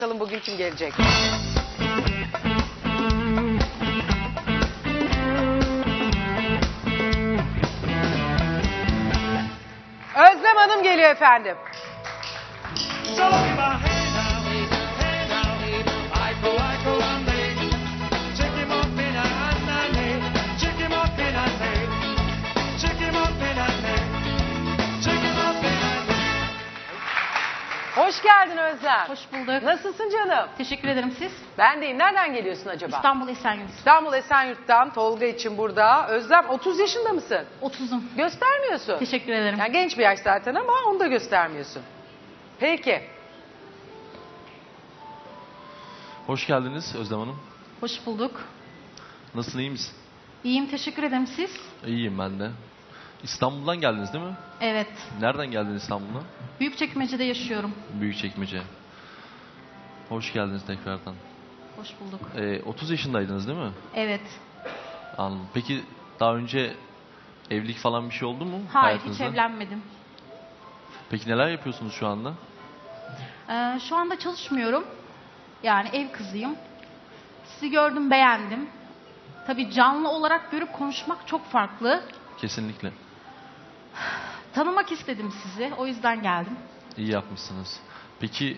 Bakalım bugün kim gelecek? Özlem Hanım geliyor efendim. Hoş geldin Özlem. Hoş bulduk. Nasılsın canım? Teşekkür ederim siz. Ben deyim. Nereden geliyorsun acaba? İstanbul Esenyurt. İstanbul Esenyurt'tan Tolga için burada. Özlem 30 yaşında mısın? 30'um. Göstermiyorsun. Teşekkür ederim. Yani genç bir yaş zaten ama onu da göstermiyorsun. Peki. Hoş geldiniz Özlem Hanım. Hoş bulduk. Nasılsın, iyi misin? İyiyim, teşekkür ederim siz. İyiyim ben de. İstanbul'dan geldiniz değil mi? Evet. Nereden geldiniz İstanbul'a? Büyükçekmece'de yaşıyorum. Büyükçekmece. Hoş geldiniz tekrardan. Hoş bulduk. 30 yaşındaydınız değil mi? Evet. Anladım. Peki daha önce evlilik falan bir şey oldu mu Hayır, hayatınızda? hiç evlenmedim. Peki neler yapıyorsunuz şu anda? Şu anda çalışmıyorum. Yani ev kızıyım. Sizi gördüm, beğendim. Tabii canlı olarak görüp konuşmak çok farklı. Kesinlikle. Tanımak istedim sizi, o yüzden geldim. İyi yapmışsınız. Peki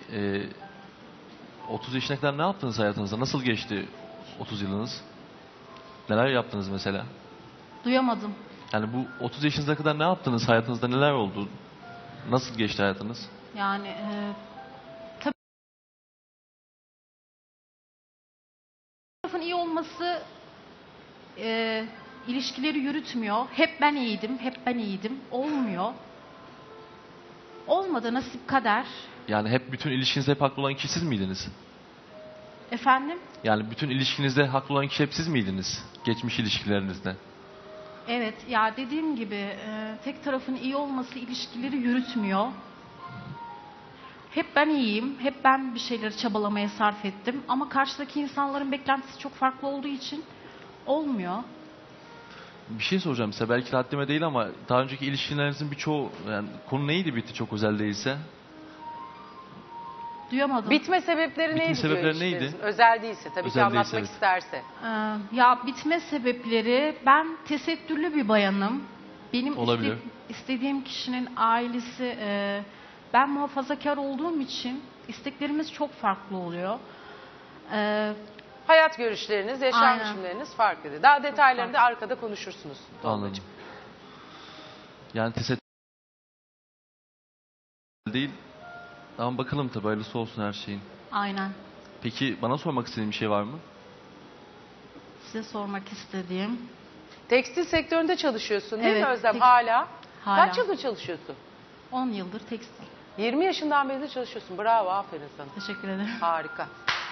30 yaşına kadar ne yaptınız hayatınızda? Nasıl geçti 30 yılınız? Neler yaptınız mesela? Duyamadım. Yani bu 30 yaşınıza kadar ne yaptınız? Hayatınızda neler oldu? Nasıl geçti hayatınız? Yani tabii tarafın iyi olması ilişkileri yürütmüyor. Hep ben iyiydim, hep ben iyiydim. Olmuyor. Olmadı, nasip kader. Yani hep bütün ilişkinizde hep haklı olan kişi siz miydiniz? Efendim? Yani bütün ilişkinizde haklı olan kişi hep siz miydiniz? Geçmiş ilişkilerinizde. Evet, ya dediğim gibi tek tarafın iyi olması ilişkileri yürütmüyor. Hep ben iyiyim, hep ben bir şeyleri çabalamaya sarf ettim. Ama karşıdaki insanların beklentisi çok farklı olduğu için olmuyor. Bir şey soracağım size. Belki haddime değil ama daha önceki ilişkilerinizin birçoğu, yani konu neydi bitti çok özel değilse? Duyamadım. Bitme sebepleri Bitme neydi diyor sebepleri işte. neydi? Özel değilse tabii ki Özel değilse, anlatmak evet. isterse. Ya bitme sebepleri, ben tesettürlü bir bayanım. Benim Olabilir. istediğim kişinin ailesi, ben muhafazakar olduğum için isteklerimiz çok farklı oluyor. Hayat görüşleriniz, yaşam Aynen. biçimleriniz farklı. Daha detaylarını da farklı. arkada konuşursunuz. Anladım. Tolgacığım. Yani tesettür değil. Ama bakalım tabii, hayırlısı olsun her şeyin. Aynen. Peki bana sormak istediğin bir şey var mı? Size sormak istediğim. Tekstil sektöründe çalışıyorsun değil mi Evet, Özlem? tekstil. Hala. Hala. Kaç yıldır çalışıyorsun? 10 yıldır tekstil. 20 yaşından beri de çalışıyorsun. Bravo, aferin sana. Teşekkür ederim. Harika.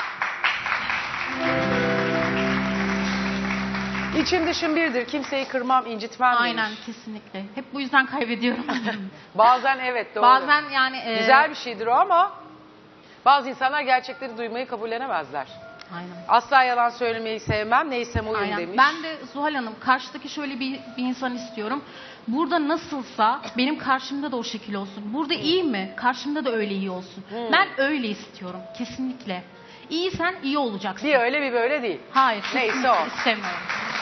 İçim dışım birdir. Kimseyi kırmam, incitmem Aynen, demiş. kesinlikle. Hep bu yüzden kaybediyorum. Bazen evet doğru. Bazen yani... Güzel bir şeydir o ama bazı insanlar gerçekleri duymayı kabullenemezler. Aynen. Asla yalan söylemeyi sevmem, neysem oyum Aynen. demiş. Ben de Zuhal Hanım, karşıdaki şöyle bir insan istiyorum. Burada nasılsa benim karşımda da o şekil olsun. Burada iyi mi? Karşımda da öyle iyi olsun. Ben öyle istiyorum kesinlikle. İyisen iyi olacaksın. Bir öyle bir böyle değil. Hayır. Neyse kesinlikle o. istemiyorum.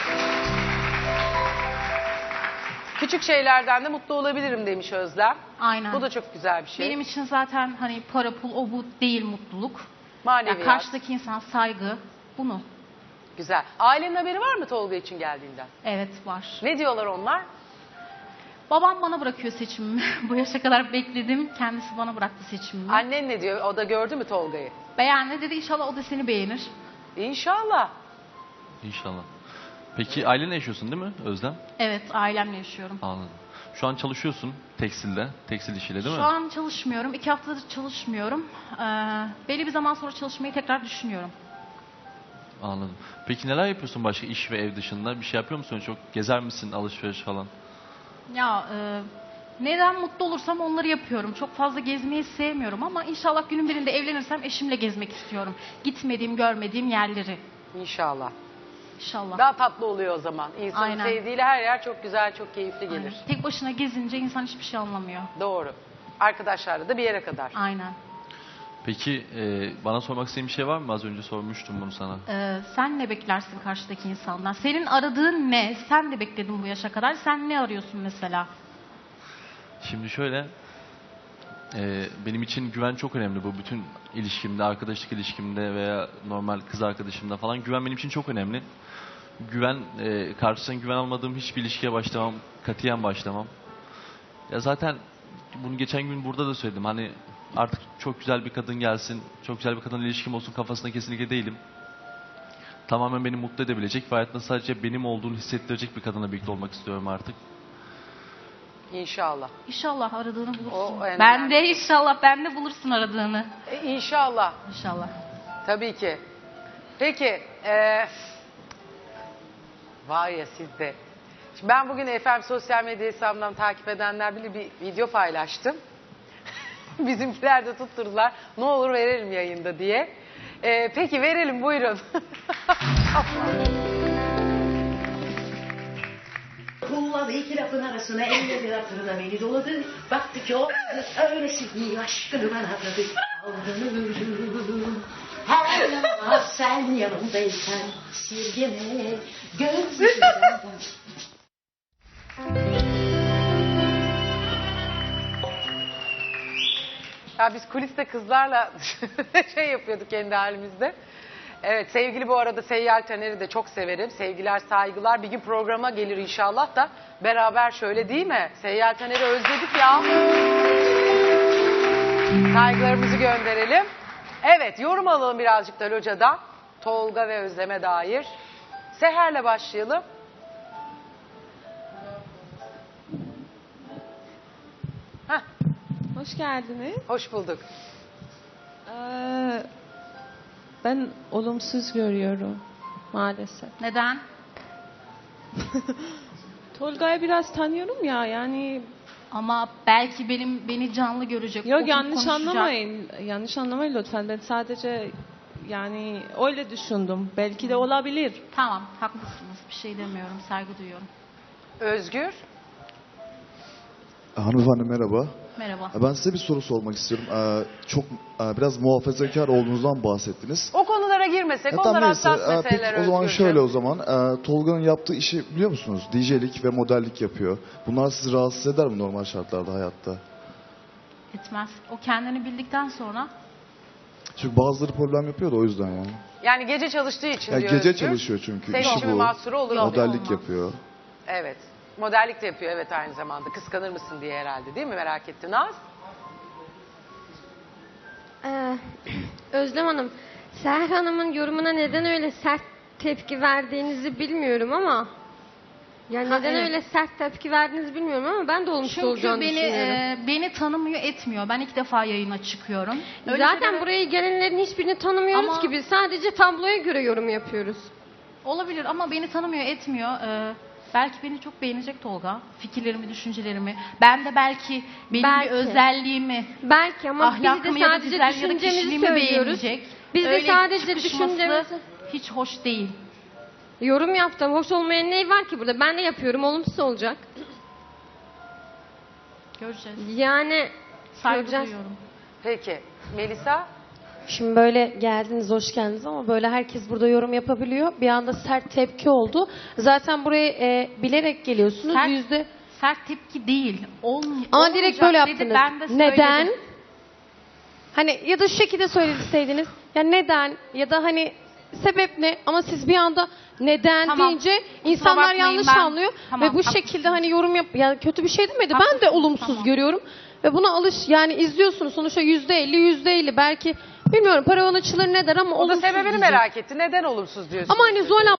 Küçük şeylerden de mutlu olabilirim demiş Özlem. Aynen. Bu da çok güzel bir şey. Benim için zaten hani para pul o bu değil mutluluk. Maneviyat. Yani karşıdaki insan saygı. Bunu. Güzel. Ailenin haberi var mı Tolga için geldiğinden? Evet var. Ne diyorlar onlar? Babam bana bırakıyor seçimimi. Bu yaşa kadar bekledim. Kendisi bana bıraktı seçimimi. Annen ne diyor? O da gördü mü Tolga'yı? Beğendi dedi, inşallah o da seni beğenir. İnşallah. İnşallah. Peki ailenle yaşıyorsun değil mi Özlem? Evet, ailemle yaşıyorum. Anladım. Şu an çalışıyorsun tekstilde, tekstil işiyle değil mi? Şu an çalışmıyorum. 2 haftadır çalışmıyorum. Belli bir zaman sonra çalışmayı tekrar düşünüyorum. Anladım. Peki neler yapıyorsun başka iş ve ev dışında? Bir şey yapıyor musun? Çok gezer misin, alışveriş falan? Ya neden mutlu olursam onları yapıyorum. Çok fazla gezmeyi sevmiyorum ama inşallah günün birinde evlenirsem eşimle gezmek istiyorum. Gitmediğim, görmediğim yerleri. İnşallah. İnşallah. Daha tatlı oluyor o zaman. İnsanın Aynen. sevdiğiyle her yer çok güzel, çok keyifli gelir. Aynen. Tek başına gezince insan hiçbir şey anlamıyor. Doğru. Arkadaşlarla da bir yere kadar. Aynen. Peki bana sormak istediğin bir şey var mı? Az önce sormuştum bunu sana. Sen ne beklersin karşıdaki insandan? Senin aradığın ne? Sen de bekledin bu yaşa kadar. Sen ne arıyorsun mesela? Şimdi şöyle, benim için güven çok önemli bu bütün ilişkimde, arkadaşlık ilişkimde veya normal kız arkadaşımda falan. Güven benim için çok önemli. Güven, karşısından güven almadığım hiçbir ilişkiye başlamam, katiyen başlamam. Ya zaten bunu geçen gün burada da söyledim. Hani artık çok güzel bir kadın gelsin, çok güzel bir kadınla ilişkim olsun kafasında kesinlikle değilim. Tamamen beni mutlu edebilecek ve hayatımda sadece benim olduğunu hissettirecek bir kadınla birlikte olmak istiyorum artık. İnşallah. İnşallah aradığını bulursun. O en Ben önemli. de inşallah ben de bulursun aradığını. İnşallah. İnşallah. Tabii ki. Peki. Var ya sizde. Şimdi ben bugün efendim sosyal medya hesabımdan takip edenler bile bir video paylaştım. Bizimkiler de tutturdular. Ne olur verelim yayında diye. Peki verelim, buyurun. Kulladı iki lafın arasına elleri hatırına beni doladı. Baktı ki o kız öylesi iyi aşkını bana adadı. Aldanırım. Her yana sen yanımdaysan sirgeme gözlerimden. Ya biz kuliste kızlarla şey yapıyorduk kendi halimizde. Evet, sevgili bu arada Seyyal Taner'i de çok severim. Sevgiler, saygılar. Bir gün programa gelir inşallah da beraber şöyle, değil mi? Seyyal Taner'i özledik ya. Saygılarımızı gönderelim. Evet, yorum alalım birazcık da Loca'dan. Tolga ve Özlem'e dair. Seher'le başlayalım. Heh, Hoş geldiniz. hoş bulduk. Ben olumsuz görüyorum maalesef. Neden? Tolga'yı biraz tanıyorum ya yani Ama belki beni canlı görecek. yok oturup yanlış konuşacak. anlamayın. Yanlış anlamayın lütfen. Ben sadece yani öyle düşündüm. Belki de olabilir. Tamam, haklısınız. Bir şey demiyorum. Saygı duyuyorum. Özgür. Hanımefendi merhaba. Merhaba. Ben size bir soru sormak istiyorum. Çok biraz muhafazakar olduğunuzdan bahsettiniz. O konulara girmesek, Tamam, onlar neyse. hassas Peki meseleler o zaman Özgürcüğüm. şöyle o zaman. Tolga'nın yaptığı işi biliyor musunuz? DJ'lik ve modellik yapıyor. Bunlar sizi rahatsız eder mi normal şartlarda hayatta? Etmez. O kendini bildikten sonra Çünkü bazıları problem yapıyor da o yüzden yani. Yani gece çalıştığı için Yani diyor gece Özgür. çalışıyor çünkü. Senin İşi için bir bu. mahsuru olur mu? Modellik olmaz. yapıyor. Evet. Modellik de yapıyor, evet, aynı zamanda. Kıskanır mısın diye herhalde, değil mi? Merak ettin Naz. Özlem Hanım, Seher Hanım'ın yorumuna neden öyle sert tepki verdiğinizi bilmiyorum ama yani neden evet. öyle sert tepki verdiğinizi bilmiyorum ama ben de olumsuz çünkü olacağını düşünüyorum. beni tanımıyor, etmiyor. Ben ilk defa yayına çıkıyorum. Öyle Zaten şeylere- buraya gelenlerin hiçbirini tanımıyoruz Ama- gibi. Sadece tabloya göre yorum yapıyoruz. olabilir ama beni tanımıyor, etmiyor. Belki beni çok beğenecek Tolga. Fikirlerimi, düşüncelerimi. Ben de belki benim Belki. bir özelliğimi, Belki ama biz ahlakımı de ya da sadece güzel ya da düşüncemizi kişiliğimi söylüyoruz. beğenecek. Biz de Öyle sadece çıkışması düşüncemizi... hiç hoş değil. Yorum yaptım. Hoş olmayan ne var ki burada? Ben de yapıyorum. Olumsuz olacak. Göreceğiz. Yani Saygı göreceğiz. duyuyorum. Peki. Melisa. Şimdi böyle geldiniz, hoş geldiniz ama böyle herkes burada yorum yapabiliyor. Bir anda sert tepki oldu. Zaten buraya bilerek geliyorsunuz. Sert- Sert tepki değil. Ama direkt böyle olmayacak dedi, yaptınız. ben de söyledim. Neden? Hani ya da şu şekilde söyleseydiniz. Ya neden? Ya da hani sebep ne? Ama siz bir anda neden Tamam. deyince Kusura insanlar bakmayın, yanlış ben- anlıyor. Tamam, ve bu haklısınız. şekilde hani yorum yap... Ya kötü bir şey demedi. Ben de Haklısınız, olumsuz tamam. görüyorum. Ve buna yani izliyorsunuz sonuçta %50 belki bilmiyorum paravan açılır ne der ama O da olumsuz sebebini diyecek. merak etti. Neden olumsuz diyorsun? Ama hani Zuhal abla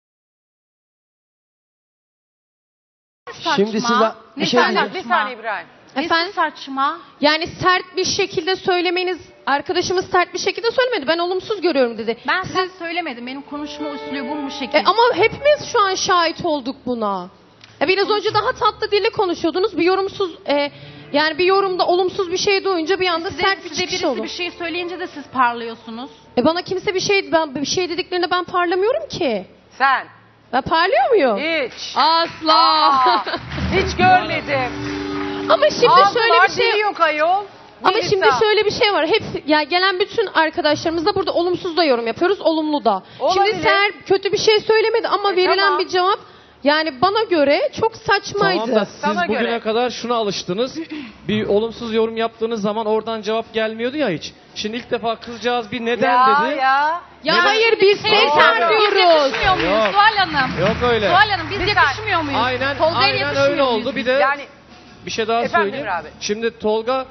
Şimdi size bir şey diyeceğim. Bir saniye İbrahim. Efendim? Saçma. yani sert bir şekilde söylemeniz arkadaşımız sert bir şekilde söylemedi. Ben olumsuz görüyorum dedi. Ben size söylemedim. Benim konuşma üslubum bu şekilde. Ama hepimiz şu an şahit olduk buna. Biraz önce daha tatlı dille konuşuyordunuz. Bir yorumsuz yani bir yorumda olumsuz bir şey duyunca bir anda sert bir size çıkış birisi oldu. bir şey söyleyince de siz parlıyorsunuz. Bana kimse bir şey dediklerinde ben parlamıyorum ki. Sen. Ben parlıyor muyum? Hiç. Asla. Aa, hiç görmedim. Ama şimdi Ağzı şöyle var, bir şey dili yok ayol. Ama Melisa. şimdi şöyle bir şey var. Hep ya gelen bütün arkadaşlarımızla burada olumsuz da yorum yapıyoruz, olumlu da. Olabilir. Şimdi Seher kötü bir şey söylemedi ama verilen tamam. bir cevap yani bana göre çok saçmaydı. Tamam da siz Sana bugüne göre. kadar şuna alıştınız. Bir olumsuz yorum yaptığınız zaman oradan cevap gelmiyordu ya hiç. Şimdi ilk defa kızcağız bir neden Ya dedi. ya. Ya hayır biz tekrar diyoruz. Yakışmıyor muyuz Yok. Zuhal Hanım? Yok öyle. Zuhal Hanım biz Bir yakışmıyor muyuz? Aynen, Tolga'ya aynen yakışmıyor öyle muyuz oldu. biz? Bir de Yani bir şey daha Efendim söyleyeyim. Emre abi. Şimdi Tolga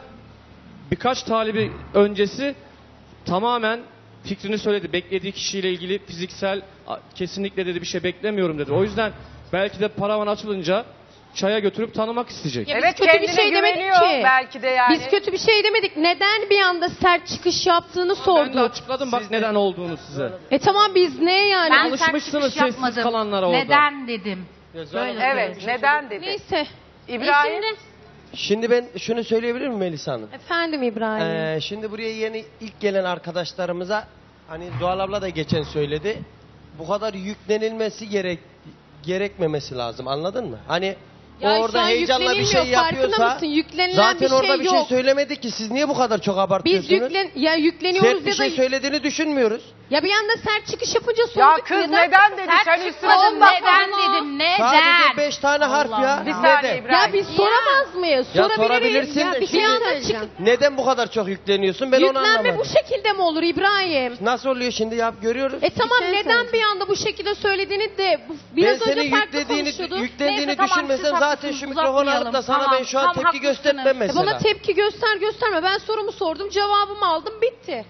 birkaç talibi öncesi tamamen fikrini söyledi. Beklediği kişiyle ilgili fiziksel kesinlikle dedi bir şey beklemiyorum dedi. O yüzden belki de paravan açılınca çaya götürüp tanımak isteyecek. Ya biz evet kötü bir kendine şey demedik güveniyor ki. belki de yani. Biz kötü bir şey demedik. Neden bir anda sert çıkış yaptığını Ben de sorduk. açıkladım bak neden olduğunu size. Tamam biz ne yani? Ben Alışmışsınız sert çıkış sessiz yapmadım. kalanlara orada. Neden dedim. Böyle Evet neden dedi. Neyse. İbrahim. Şimdi ben şunu söyleyebilir miyim Melisa Hanım? Efendim İbrahim. Şimdi buraya yeni ilk gelen arkadaşlarımıza hani Zuhal abla da geçen söyledi. Bu kadar yüklenilmesi gerekmemesi lazım. Anladın mı? Hani Ya şu orada an heyecanla bir şey yüklenilmiyor, farkında yapıyorsa mısın? Yüklenilen zaten bir şey orada bir şey yok. söylemedi ki. Siz niye bu kadar çok Biz abartıyorsunuz? yükleniyoruz Sert bir ya şey da söylediğini düşünmüyoruz. ya bir anda sert çıkış yapınca sorduk. Ya kız neden dedi sen üstüne Çıkmadım ondan neden sonra- dedim neden? Sadece 5 tane harf Allah ya. Allah. Bir saniye Neden? İbrahim. Ya biz soramaz mıyız? Ya Sorabiliriz. sorabilirsin Ya de bir şimdi- anda çık. Neden bu kadar çok yükleniyorsun? Ben onu Yüklenme anlamadım. bu şekilde mi olur İbrahim? Nasıl oluyor şimdi ya görüyoruz. Tamam şey neden söyleyeceğim. bir anda bu şekilde söylediğini de Ben biraz senin önce farklı konuşuyorduk. yüklendiğini Neyse, tamam, düşünmesem siz zaten haklısınız, şu mikrofonu alıp da uzatmayalım. sana Tamam, ben şu an tam tepki haklısınız. göstermem mesela. Bana tepki gösterme. Ben sorumu sordum, cevabımı aldım, bitti.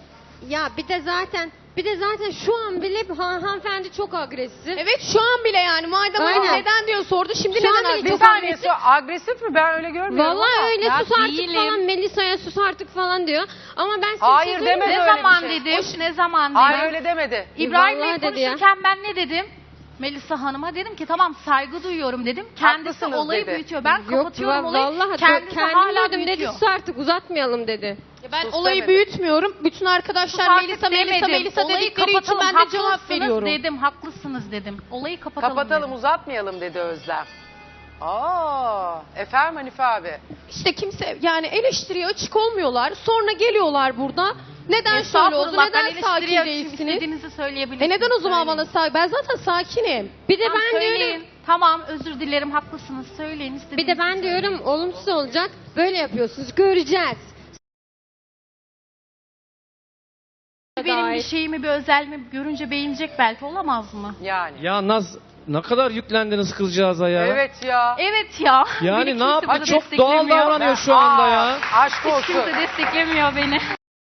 Ya bir de zaten şu an bile hanımefendi çok agresif. Evet şu an bile yani madem öyle Aynen. neden diyor sordu şimdi Şu an neden bile Bir agresif? saniye agresif mi? Ben öyle görmüyorum Vallahi ama. öyle Ya sus artık değilim. falan Melisa'ya sus artık falan diyor. Ama ben size Hayır, bir şey söyleyeyim demedi mi? Ne öyle bir zaman şey. dedim? Ne zaman dedim? Hayır öyle demedi. İbrahim Bey Vallahi dedi ya. konuşurken ben ne dedim? Melisa Hanım'a dedim ki tamam saygı duyuyorum dedim. Kendisi Haklısınız olayı dedi. büyütüyor. Ben kapatıyorum olayı. Vallahi Kendisi kendim hala duydum dedi büyütüyor. sus artık uzatmayalım dedi. Ben Sus olayı demedi. büyütmüyorum. Bütün arkadaşlar Artık Melisa demedim. Olayı dedikleri için kapatalım, ben de cevap haklısınız veriyorum. dedim, haklısınız dedim. Olayı kapatalım, Kapatalım dedim. uzatmayalım dedi Özlem. Efendim Hanife abi. İşte kimse yani eleştiriye açık olmuyorlar. Sonra geliyorlar burada. Neden şöyle oldu? Estağfurullah, ben Neden sakin eleştiriye açayım, değilsiniz? İstediğinizi söyleyebilirsiniz. Neden o zaman Söyleyin. bana sakin? Ben zaten sakinim. Bir de Tamam, ben söyleyin. diyorum Tamam özür dilerim haklısınız söyleyin istediğinizi bir de ben söyleyin. diyorum olumsuz olacak. Böyle yapıyorsunuz. Göreceğiz. Benim bir şeyimi bir özelliğimi görünce beğenecek belki olamaz mı? Yani. Ya Naz ne kadar yüklendiniz kızcağıza ya. Evet ya. Evet ya. Yani Beni ne yap? kimse burada Çok doğal desteklemiyor. davranıyor şu anda ya. Aşk Hiç olsun. kimse desteklemiyor beni.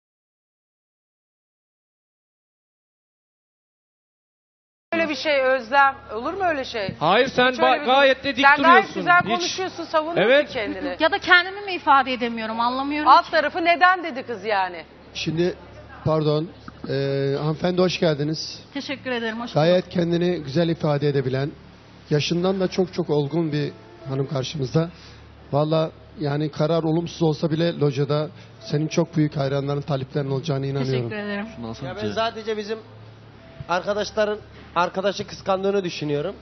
Öyle bir şey Özlem. Olur mu öyle şey? Hayır sen Hiç öyle bir- gayet de dik Sen duruyorsun. gayet güzel Hiç- konuşuyorsun, savunuyorsun Evet. kendini. Ya da kendimi mi ifade edemiyorum anlamıyorum. Alt tarafı neden dedi kız yani? Şimdi pardon, hanımefendi hoş geldiniz. Teşekkür ederim. Hoş Gayet kendini güzel ifade edebilen, yaşından da çok çok olgun bir hanım karşımızda. Valla yani karar olumsuz olsa bile locada senin çok büyük hayranların, taliplerin olacağına inanıyorum. Teşekkür ederim. Şundan Ya sonra ben sadece bizim arkadaşların arkadaşı kıskandığını düşünüyorum.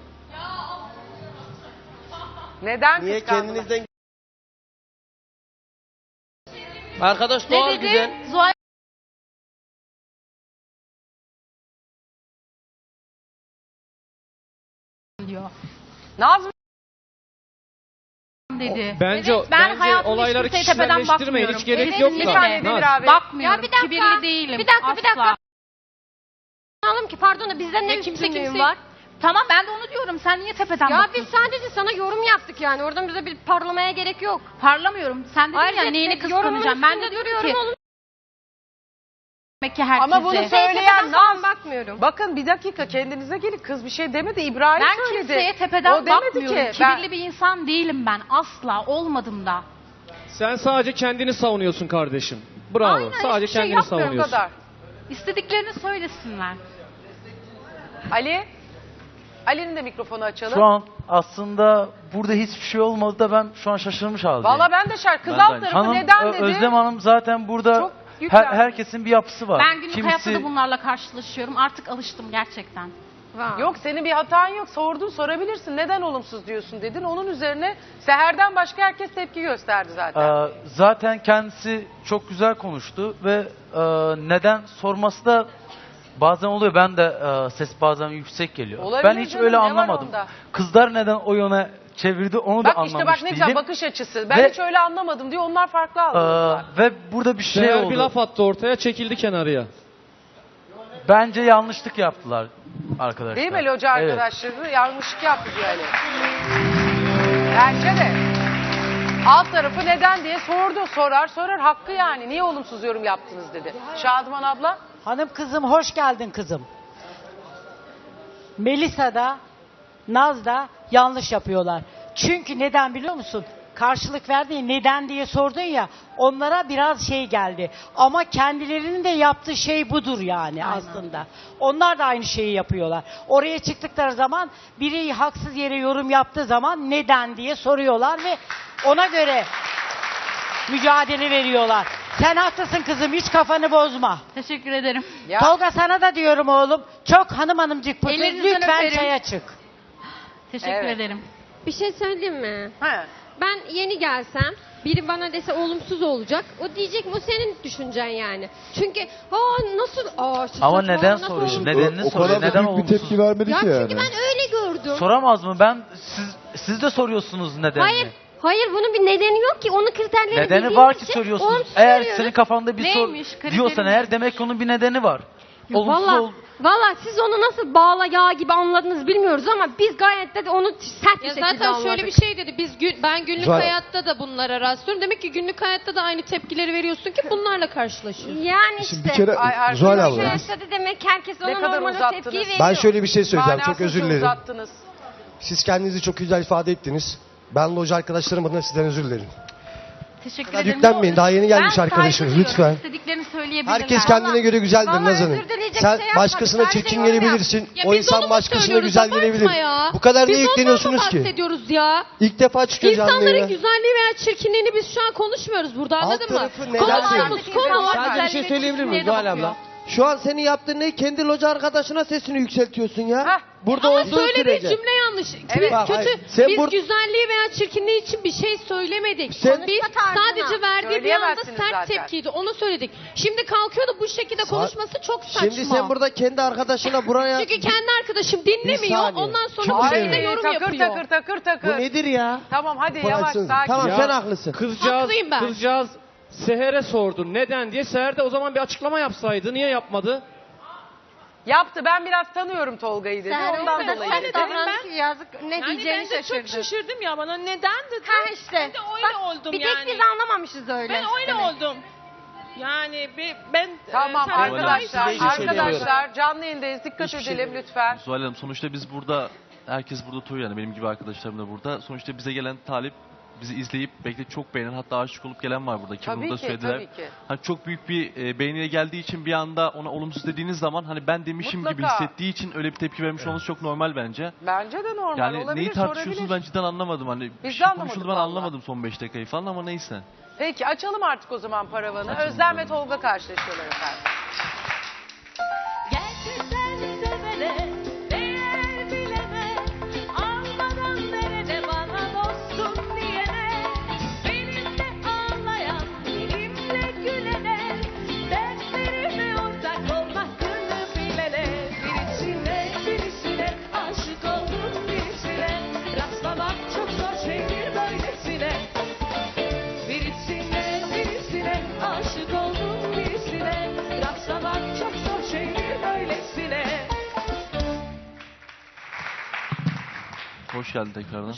Neden Niye kıskandın? kendinizden... Arkadaş doğal Ne dedi? güzel. Zuhal diyor. Naz mı? Dedi. Bence, Evet, ben bence hayatımda olayları hiç kimseye tepeden kişiselleştirmeyin. Hiç bakmıyorum. gerek Evet, yok Bir da. saniye Demir Naz. abi. Bakmıyorum. Ya bir dakika, Kibirli değilim. bir dakika. Asla. Anlayalım ki pardon da bizden ne kimse üstünlüğün kimseyi- var? Tamam ben de onu diyorum. Sen niye tepeden Ya bakıyorsun? biz sadece sana yorum yaptık yani. Oradan bize bir parlamaya gerek yok. Parlamıyorum. Sen dedin Ayrıca ya neyini yorumun kıskanacağım. Ben de üstünde diyorum ki duruyorum, oğlum. demek ki herkese. Ama bunu söyleyen Tepeden falan Naz. bakmıyorum. Bakın bir dakika kendinize gelin. Kız bir şey demedi. İbrahim Ben söyledi. kimseye tepeden O demedi bakmıyorum. ki. Kibirli bir insan değilim ben. Asla olmadım da. Sen sadece kendini savunuyorsun kardeşim. Bravo. Aynen, sadece hiçbir şey kendini yapmıyorum, Bu savunuyorsun. kadar. İstediklerini söylesinler. Ali? Ali'nin de mikrofonu açalım. Şu an aslında burada hiçbir şey olmadı da ben şu an şaşırmış haldeyim. Valla ben de şarkı. Kız Ben alt de- tarafı Hanım, neden dedi? Özlem Hanım zaten burada Çok yüklendi. herkesin bir yapısı var. Ben günlük hayatta da bunlarla karşılaşıyorum. Artık alıştım gerçekten. Var. Yok senin bir hatan yok. Sordun, sorabilirsin. Neden olumsuz diyorsun dedin. Onun üzerine Seher'den başka herkes tepki gösterdi zaten. Zaten kendisi çok güzel konuştu ve neden sorması da bazen oluyor. Ben de ses bazen yüksek geliyor. Olabilir Ben hiç canım, öyle ne var anlamadım. onda? Kızlar neden o yöne çevirdi onu da Bak anlamış işte bak ne güzel değilim. bakış açısı. Ben Ve- hiç öyle anlamadım diyor. Onlar farklı algıladılar. Ve burada bir şey Seher oldu. bir laf attı ortaya, çekildi kenarıya. Bence yanlışlık yaptılar arkadaşlar. Değil mi loca Evet. arkadaşları? Yanlışlık yaptı yani. Bence de. Alt tarafı neden diye sordu. Sorar. Hakkı yani. Niye olumsuz yorum yaptınız dedi. Şadıman abla. Hanım kızım hoş geldin kızım. Melisa da Naz da yanlış yapıyorlar. Çünkü neden biliyor musun? Karşılık verdiğin neden diye sordun ya, onlara biraz şey geldi. Ama kendilerinin de yaptığı şey budur yani aslında. Onlar da aynı şeyi yapıyorlar. Oraya çıktıkları zaman biri haksız yere yorum yaptığı zaman neden diye soruyorlar ve ona göre mücadele veriyorlar. Sen haklısın kızım, hiç kafanı bozma. Teşekkür ederim. Ya. Tolga sana da diyorum oğlum. Çok hanımcık pıtır. Ellerinizden Lütfen öperim. çaya çık. Teşekkür Evet. ederim. Bir şey söyleyeyim mi? He. Ben yeni gelsem biri bana dese olumsuz olacak. O diyecek o senin düşüncen yani. Çünkü nasıl Ama saçma, neden nasıl soruyor? olumsuz? Nedenini O soruyor. kadar da Neden büyük bir olumsuz? tepki vermedi Ya ki çünkü yani. ben öyle gördüm. Soramaz mı? Siz de soruyorsunuz nedenini. Hayır bunun bir nedeni yok ki. Onun kriterlerini Nedeni bildiğimiz var ki için soruyorsunuz. olumsuz Eğer veriyoruz. senin kafanda bir Neymiş? sor Kriteri diyorsan ne? eğer demek ki onun bir nedeni var. Olumsuz Valla siz onu nasıl bağla yağ gibi anladınız bilmiyoruz ama biz gayet de onu sert bir Ya şekilde zaten anladık. şöyle bir şey dedi. Ben günlük Zuhal- hayatta da bunlara rastlıyorum. Demek ki günlük hayatta da aynı tepkileri veriyorsun ki bunlarla karşılaşıyorsun. Yani işte. Şimdi bir kere Ay, Zuhal arkadaşlar, abla. Hayatta da demek herkes Ne ona kadar normal o uzattınız? tepkiyi veriyor. Ben şöyle bir şey söyleyeceğim. Çok Manasızca özür dilerim. uzattınız. Siz kendinizi çok güzel ifade ettiniz. Ben loca arkadaşlarım adına sizden özür dilerim. Teşekkür Kadar ederim. yüklenmeyin. Daha yeni gelmiş Ben arkadaşınız. saygı Lütfen. İstediklerini söyleyebilirler. Herkes kendine göre güzeldir Vallahi Naz Hanım. özür dileyecek Sen şey yapmadık. başkasına Sadece çirkin yorum gelebilirsin. Ya O biz insan onu mu başkasına söylüyoruz? güzel Abartma gelebilir. ya. Bu kadar Biz niye ondan mı yükleniyorsunuz ki? bahsediyoruz ya? İlk defa çıkıyor canlı İnsanların yayına. güzelliği veya çirkinliğini biz şu an konuşmuyoruz burada, Alt anladın mı? tarafı neden Konuştuğumuz diyor? konu var. Sadece bir şey söyleyebilir miyim Zuhal abla? Şu an senin yaptığın ne? Kendi loca arkadaşına sesini yükseltiyorsun ya. Heh. Burada Ama olduğu söylediği sürece. cümle yanlış. Evet. Bak, Kötü. hayır. Sen Biz bur- güzelliği veya çirkinliği için bir şey söylemedik. Sen- Biz tarzına. sadece verdiği bir anda Söyleyemezsiniz sert zaten. tepkiydi. Onu söyledik. Şimdi kalkıyor da bu şekilde konuşması çok saçma. Şimdi sen burada kendi arkadaşına buraya... Çünkü kendi arkadaşım Bir dinlemiyor. saniye. Ondan sonra Çok bu Ay, şekilde yorum takır yapıyor. takır. Bu nedir ya? Tamam hadi yavaş Bıraksınız. sakin. Tamam Ya. sen haklısın. Haklıyım ben. Kızcağız Seher'e sordu. Neden diye. Seher de o zaman bir açıklama yapsaydı. Niye yapmadı? Yaptı, ben biraz tanıyorum Tolga'yı dedi. Ondan dolayı dedi. Yazık ne diyeceğini şaşırdı. şaşırdım ya, bana neden dedi. Ha işte. Ben de öyle oldum bir yani. tek biz anlamamışız öyle. Ben öyle demek. oldum. Yani ben Tamam sen- arkadaşlar canlı yayındayız. Dikkat edelim lütfen. Zuhal Hanım sonuçta biz burada, herkes burada oturuyor yani benim gibi arkadaşlarım da burada. Sonuçta bize gelen talip bizi izleyip bekleyip çok beğenen, hatta aşık olup gelen var burada. Ki Tabii bunu da ki, söylediler. tabii ki. Hani çok büyük bir beğeniye geldiği için bir anda ona olumsuz dediğiniz zaman hani ben demişim gibi Mutlaka. hissettiği için öyle bir tepki vermiş olması çok normal bence. Bence de normal Yani olabilir, neyi tartışıyorsunuz sorabilir. ben cidden anlamadım. Hani Biz bir de şey anlamadık konuşuldu ben vallahi. anlamadım son 5 dakikayı falan ama neyse. Peki açalım artık o zaman paravanı. Açalım Özlem ve bakalım. Tolga karşılaşıyorlar efendim. Gerçekten sevene değer bilene almadan verene bana dostum diyene benimle ağlayan benimle gülene dertlerime ortak ol hakkını bilene birisine aşık oldum birisine rastlamak çok zor şeydir böylesine birisine aşık oldum birisine rastlamak çok zor şeydir böylesine. Hoş geldin tekrardan.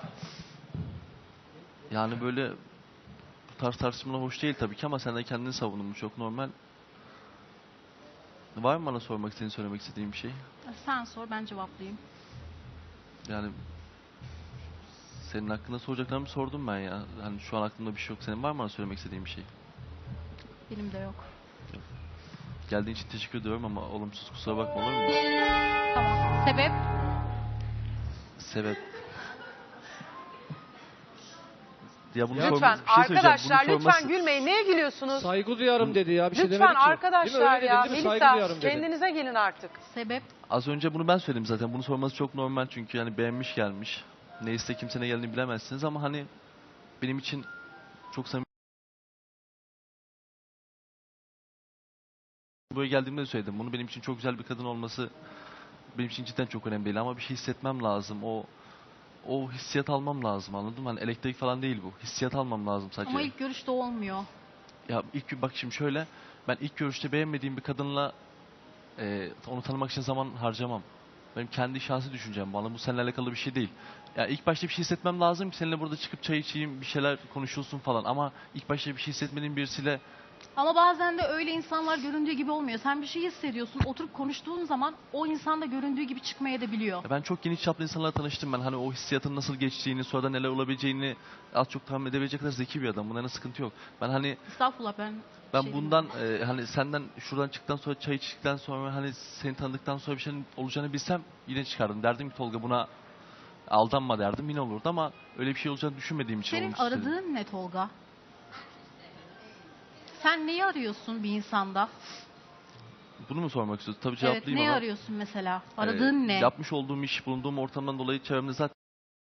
Yani böyle bu tarz tartışmalar hoş değil tabii ki ama sen de kendini savundun, bu çok normal. Var mı bana sormak istediğin, söylemek istediğin bir şey? Sen sor, ben cevaplayayım. Yani senin hakkında soracaklarımı sordum ben ya. Hani şu an aklımda bir şey yok. Senin var mı bana söylemek istediğin bir şey? Benim de yok. Geldiğin için teşekkür ediyorum ama olumsuz, kusura bakma, olur mu? Tamam. Sebep? Sebep. Ya bunu Lütfen bir şey söyleyeceğim. arkadaşlar Bunu lütfen gülmeyin. Neye gülüyorsunuz? Saygı duyarım dedi ya. Bir şey Lütfen demedi ki. Değil mi? arkadaşlar Öyle ya. dedi, değil mi? Saygı Melisa duyarım dedi. kendinize gelin artık. Sebep? Az önce bunu ben söyledim zaten. Bunu sorması çok normal çünkü yani beğenmiş gelmiş. Neyse kimse ne geldiğini bilemezsiniz ama hani benim için çok samimi. Buraya geldiğimde de söyledim. Bunu benim için çok güzel bir kadın olması benim için cidden çok önemli değil ama bir şey hissetmem lazım. O hissiyat almam lazım, anladın mı? Hani elektrik falan değil bu. Hissiyat almam lazım sadece. Ama ilk görüşte olmuyor. Ya bak şimdi şöyle, ben ilk görüşte beğenmediğim bir kadınla onu tanımak için zaman harcamam. Benim kendi şahsi düşüncem bana, bu seninle alakalı bir şey değil. Ya ilk başta bir şey hissetmem lazım ki seninle burada çıkıp çay içeyim, bir şeyler konuşulsun falan ama ilk başta bir şey hissetmediğim birisiyle Ama bazen de öyle insanlar göründüğü gibi olmuyor. Sen bir şey hissediyorsun, oturup konuştuğun zaman o insan da göründüğü gibi çıkmaya da biliyor. ben çok geniş çaplı insanlarla tanıştım ben. Hani o hissiyatın nasıl geçtiğini, sonra neler olabileceğini az çok tahmin edebilecek kadar zeki bir adam. Bunların sıkıntı yok. Ben hani Estağfurullah ben bundan hani senden şuradan çıktıktan sonra çay içtikten sonra hani seni tanıdıktan sonra bir şeyin olacağını bilsem yine çıkardım. Derdim ki Tolga buna aldanma derdim, yine olurdu ama öyle bir şey olacağını düşünmediğim için Senin olumsuz dedim. aradığın ne Tolga? Sen neyi arıyorsun bir insanda? Bunu mu sormak istiyorsun? Tabii Evet, cevaplayayım neyi ama. arıyorsun mesela? Aradığın ne? Yapmış olduğum iş, bulunduğum ortamdan dolayı çevremde zaten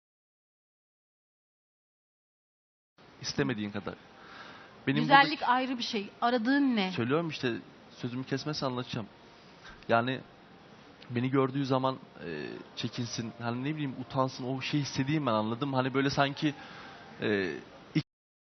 istemediğin kadar. Benim Güzellik burada- ayrı bir şey. Aradığın ne? Söylüyorum işte, sözümü kesmezsen anlatacağım. Yani beni gördüğü zaman çekinsin, hani ne bileyim utansın, o şeyi hissedeyim ben, anladım. Hani böyle sanki ilk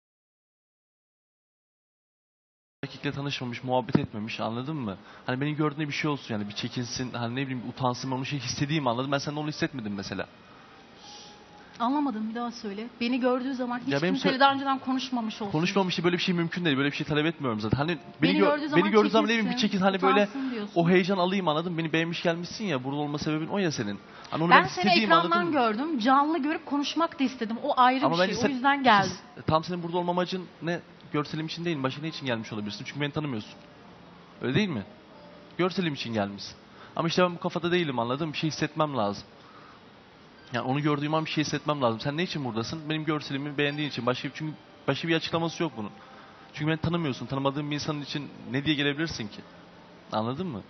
erkekle tanışmamış, muhabbet etmemiş, anladın mı? Hani beni gördüğünde bir şey olsun, yani bir çekinsin, hani ne bileyim utansın, ben onu şey hissedeyim, anladım. Ben senden onu hissetmedim mesela. Anlamadım, bir daha söyle. Beni gördüğü zaman hiç Ya benim kimseyle daha önceden konuşmamış olsun. Konuşmamıştı, böyle bir şey mümkün değil. Böyle bir şey talep etmiyorum zaten. Hani Beni gördüğü zaman beni gördüğü zaman ne bileyim bir çekinsin, çekin, hani böyle utansın diyorsun. o heyecan alayım, anladın mı? Beni beğenmiş gelmişsin ya, burada olma sebebin o ya senin. Hani onu Ben seni istediğim, anladın ekrandan mı? gördüm. Canlı görüp konuşmak da istedim. O ayrı Ama bir bence şey. sen- O yüzden geldim. tam senin burada olma amacın ne? Görselim için değil, başka ne için gelmiş olabilirsin? Çünkü beni tanımıyorsun. Öyle değil mi? Görselim için gelmişsin. Ama işte ben bu kafada değilim, anladın mı? Bir şey hissetmem lazım. Yani onu gördüğüm an bir şey hissetmem lazım. Sen ne için buradasın? Benim görselimi beğendiğin için. Çünkü başka bir açıklaması yok bunun. Çünkü beni tanımıyorsun. Tanımadığın bir insanın için ne diye gelebilirsin ki? Anladın mı?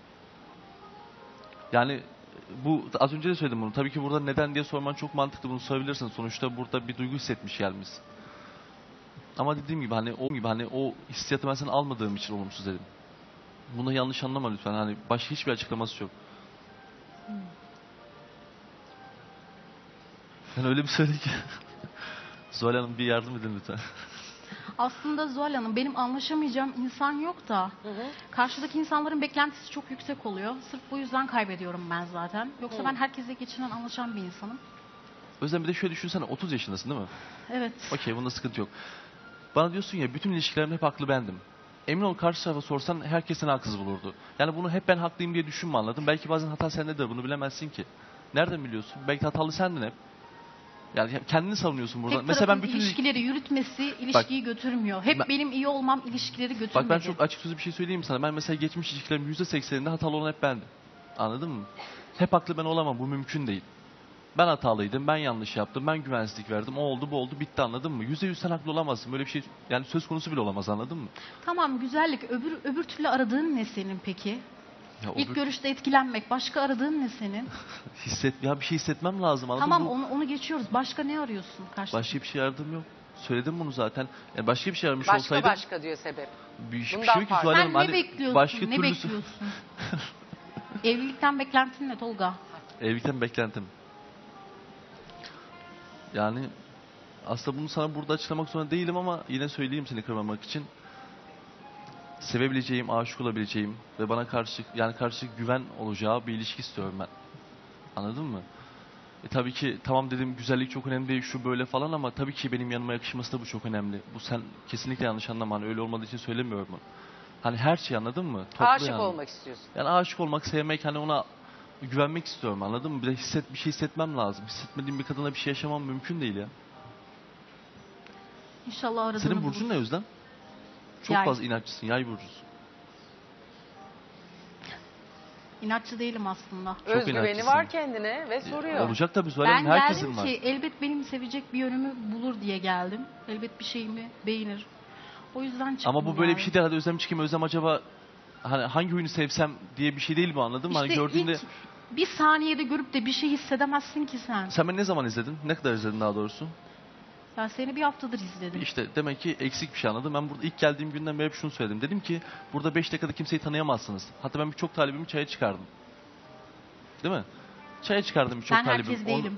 Yani bu, az önce de söyledim bunu. Tabii ki burada neden diye sorman çok mantıklı. Bunu sorabilirsin. Sonuçta burada bir duygu hissetmiş gelmişsin. Ama dediğim gibi hani o hissiyatı ben sana almadığım için olumsuz dedim. Bunu yanlış anlama lütfen. Hani başka hiçbir açıklaması yok. Yani öyle bir söyle ki. Zuhal Hanım bir yardım edin lütfen. Aslında Zuhal Hanım, benim anlaşamayacağım insan yok da karşıdaki insanların beklentisi çok yüksek oluyor. Sırf bu yüzden kaybediyorum ben zaten. Yoksa ben herkesle geçinen, anlaşan bir insanım. Özlem bir de şöyle düşünsene, 30 yaşındasın değil mi? Evet. Okey, bunda sıkıntı yok. Bana diyorsun ya, bütün ilişkilerimde hep haklı bendim. Emin ol karşı tarafa sorsan herkes seni haksız bulurdu. Yani bunu hep ben haklıyım diye düşünme, anladın? Belki bazen hata sendedir, bunu bilemezsin ki. Nereden biliyorsun? Belki hatalı sendin hep. Yani kendini savunuyorsun burada. Tek Mesela ben tarafın bütün ilişkileri yürütmesi ilişkiyi götürmüyor. Hep benim iyi olmam ilişkileri götürmedi. Bak ben çok açık sözlü bir şey söyleyeyim sana. Ben mesela geçmiş ilişkilerimin %80'inde hatalı olan hep bendim. Anladın mı? Hep haklı ben olamam. Bu mümkün değil. Ben hatalıydım. Ben yanlış yaptım. Ben güvensizlik verdim. O oldu bu oldu bitti, anladın mı? %100 sen haklı olamazsın. Böyle bir şey yani söz konusu bile olamaz, anladın mı? Tamam, güzellik. Öbür türlü aradığın ne senin peki? Ya İlk görüşte etkilenmek. Başka aradığın ne senin? Ya bir şey hissetmem lazım, anladın Tamam, mı? onu geçiyoruz. Başka ne arıyorsun karşıda? Başka bir şey aradığım yok. Söyledim bunu zaten. Yani başka bir şey aramış Başka olsaydım. başka diyor sebep. Bir şey Bundan yok ki farklı. Zuhal Sen Hanım. ne Hani bekliyorsun? başka Ne türlüsü- bekliyorsun? Evlilikten beklentin ne Tolga? Evlilikten beklentim. Yani aslında bunu sana burada açıklamak zorunda değilim ama yine söyleyeyim seni kırmamak için. Sevebileceğim, aşık olabileceğim ve bana karşı güven olacağı bir ilişki istiyorum ben. Anladın mı? Tabii ki tamam dedim, güzellik çok önemli değil, şu böyle falan, ama tabii ki benim yanıma yakışması da bu çok önemli. Bu sen kesinlikle yanlış anlama. Hani öyle olmadığı için söylemiyorum bunu. Hani her şey, anladın mı? Toplu Aşık yani. olmak istiyorsun. Yani aşık olmak, sevmek, hani ona güvenmek istiyorum, anladın mı? Bir de bir şey hissetmem lazım. Hissetmediğim bir kadına bir şey yaşamam mümkün değil ya. İnşallah aradığını Senin burcun ne bulursun. Özlem? Çok Yay. fazla inatçısın, yay burcusun. İnatçı değilim aslında. Özgüveni inatçısın. var kendine ve soruyor. Olacak tabii Zuhal Ben Hanım, herkesin geldim var. ki elbet benim sevecek bir yönümü bulur diye geldim. Elbet bir şeyimi beğenir. O yüzden çıktım. Ama bu böyle yani. bir şey değil. Hadi Özlem çıkayım. Özlem acaba hani hangi oyunu sevsem diye bir şey değil bu, anladın mı? Hani İşte gördüğünde... ilk bir saniyede görüp de bir şey hissedemezsin ki sen. Sen beni ne zaman izledin? Ne kadar izledin daha doğrusu? Ya seni bir haftadır izledim. İşte demek ki eksik bir şey, anladım. Ben burada ilk geldiğim günden beri hep şunu söyledim. Dedim ki burada 5 dakikada kimseyi tanıyamazsınız. Hatta ben birçok talibimi çaya çıkardım. Değil mi? Çaya çıkardım birçok Ben talibim. herkes değilim.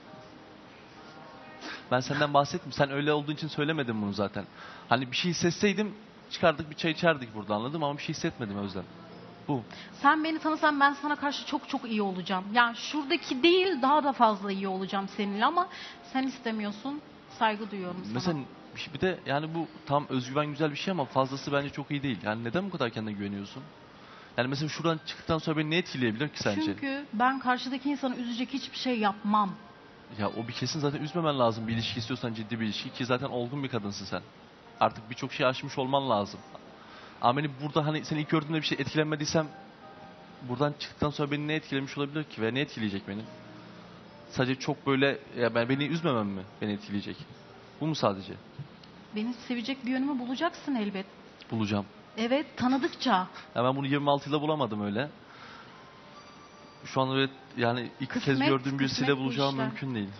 Ben senden bahsettim. Sen öyle olduğun için söylemedim bunu zaten. Hani bir şey hissetseydim çıkardık bir çay içerdik burada, anladım, ama bir şey hissetmedim Özlem. Bu. Sen beni tanısan ben sana karşı çok çok iyi olacağım. Yani şuradaki değil daha da fazla iyi olacağım seninle ama sen istemiyorsun. Saygı duyuyorum sana. Mesela bir de yani bu tam özgüven güzel bir şey ama fazlası bence çok iyi değil. Yani neden bu kadar kendine güveniyorsun? Yani mesela şuradan çıktıktan sonra beni ne etkileyebilir ki sence? Çünkü ben karşıdaki insanı üzecek hiçbir şey yapmam. Ya o bir kesin, zaten üzmemen lazım bir ilişki istiyorsan, ciddi bir ilişki, ki zaten olgun bir kadınsın sen. Artık birçok şey aşmış olman lazım. Ama beni burada hani seni ilk gördüğümde bir şey etkilenmediysem buradan çıktıktan sonra beni ne etkilemiş olabilir ki ve ne etkileyecek beni? Sadece çok böyle ya beni üzmemem mi beni etkileyecek? Bu mu sadece? Beni sevecek bir yönümü bulacaksın elbet. Bulacağım. Evet, tanıdıkça. Ya ben bunu 26 yılda bulamadım öyle. Şu an öyle yani ilk kez Kısmet, gördüğüm birisiyle kısmet bu bulacağım işler. mümkün değil.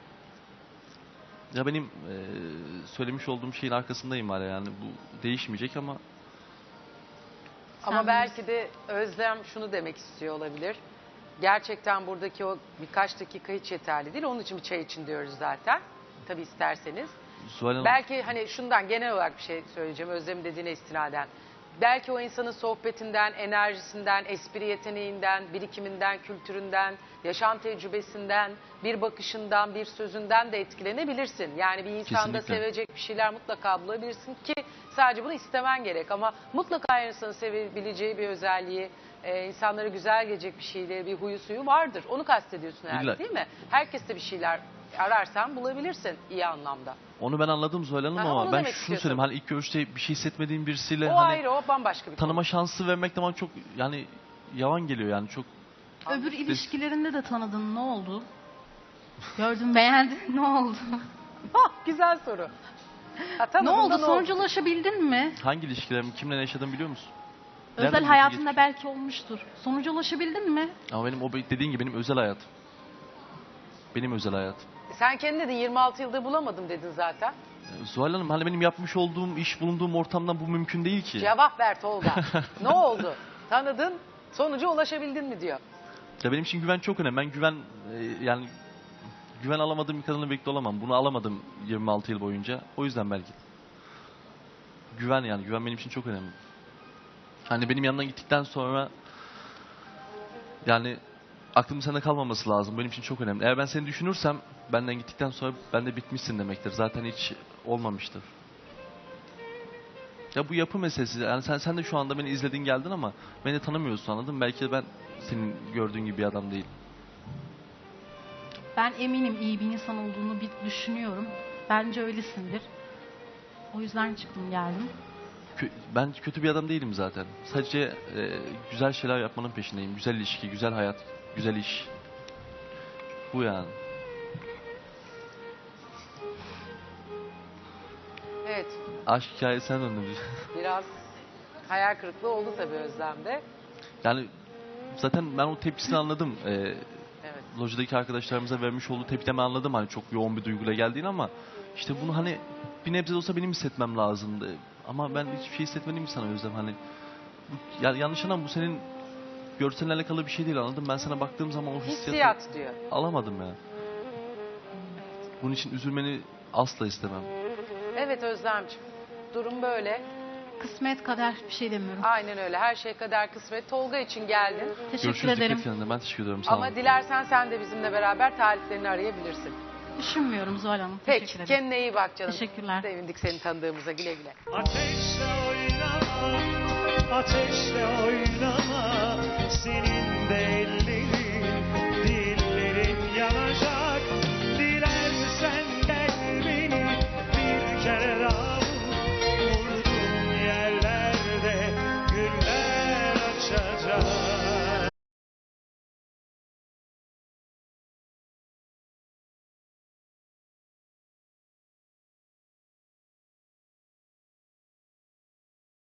Ya benim söylemiş olduğum şeyin arkasındayım hala, yani bu değişmeyecek ama Ama Sen belki de Özlem şunu demek istiyor olabilir. Gerçekten buradaki o birkaç dakika hiç yeterli değil. Onun için bir çay için diyoruz zaten. Tabii isterseniz. Zuhal Hanım, Belki hani şundan genel olarak bir şey söyleyeceğim Özlem'in dediğine istinaden. Belki o insanın sohbetinden, enerjisinden, espri yeteneğinden, birikiminden, kültüründen, yaşam tecrübesinden, bir bakışından, bir sözünden de etkilenebilirsin. Yani bir insanda Kesinlikle. sevecek bir şeyler mutlaka bulabilirsin ki sadece bunu istemen gerek. Ama mutlaka insanın sevebileceği bir özelliği, insanlara güzel gelecek bir şeyleri, bir huyu suyu vardır. Onu kastediyorsun herhalde, İlla. değil mi? Herkes de bir şeyler ararsan bulabilirsin iyi anlamda. onu ben anladım Zuhal Hanım, Ha, ama onu ben demek şunu istiyorsun. söyleyeyim, hani ilk görüşte bir şey hissetmediğim birisiyle O hani ayrı, o bambaşka bir konu. tanıma şansı vermek de bana çok yani yavan geliyor, yani çok. Öbür ilişkilerinde de tanıdın, ne oldu? Gördün, beğendin, ne oldu? Güzel soru. Ha, Ne tanıdın da oldu? Sonuca ulaşabildin mi? Hangi ilişkilerimi kimle ne yaşadım biliyor musun? Özel Nereden hayatında bilgi belki olmuştur. Sonuca ulaşabildin mi? Ama benim o dediğin gibi benim özel hayatım. Benim özel hayatım. Sen kendin dedin 26 yıldır bulamadım dedin zaten. Zuhal Hanım, hani benim yapmış olduğum iş, bulunduğum ortamdan bu mümkün değil ki. Cevap ver Tolga. Ne oldu? Tanıdın, sonuca ulaşabildin mi diyor. Ya benim için güven çok önemli. Ben yani güven alamadığım bir kadınla birlikte olamam. Bunu alamadım 26 yıl boyunca. O yüzden belki. Güven benim için çok önemli. Hani benim yanından gittikten sonra yani aklımın sende kalmaması lazım. Benim için çok önemli. Eğer ben seni düşünürsem benden gittikten sonra ben de bitmişsin demektir. Zaten hiç olmamıştır. Ya bu yapı meselesi. Yani sen de şu anda beni izledin geldin ama beni de tanımıyorsun, anladın mı? Belki de ben senin gördüğün gibi bir adam değilim. Ben eminim iyi bir insan olduğunu bir düşünüyorum. Bence öylesindir. O yüzden çıktım geldim. Ben kötü bir adam değilim zaten. Sadece güzel şeyler yapmanın peşindeyim. Güzel ilişki, güzel hayat, güzel iş. Bu yani. Evet, Aşk hikayesine döndüm. biraz hayal kırıklığı oldu tabii Özlem'de. Yani zaten ben o tepkisini anladım. Evet. Lojadaki arkadaşlarımıza vermiş olduğu tepkimi anladım. Hani çok yoğun bir duyguyla geldiğini, ama işte bunu hani bir nebze de olsa benim hissetmem lazımdı. Ama ben hiçbir şey hissetmedim ki sana Özlem. Hani yanlış anlam, bu senin görselinle alakalı bir şey değil, anladın mı? Ben sana baktığım zaman o hissiyatı Hissiyat diyor. alamadım ya. Bunun için üzülmeni asla istemem. Evet Özlemciğim, durum böyle. Kısmet kader, bir şey demiyorum. Aynen öyle, her şey kader kısmet. Tolga için geldin. Teşekkür Görüşürüz, ederim. dikkat kendine. Ben teşekkür ederim. Sağ olun. Ama dilersen sen de bizimle beraber taliplerini arayabilirsin. Düşünmüyorum Zuhal Hanım. Peki, Teşekkür ederim. kendine iyi bak canım. Teşekkürler. Sevindik seni tanıdığımıza, güle güle. Ateşle oynama, ateşle oynama, senin de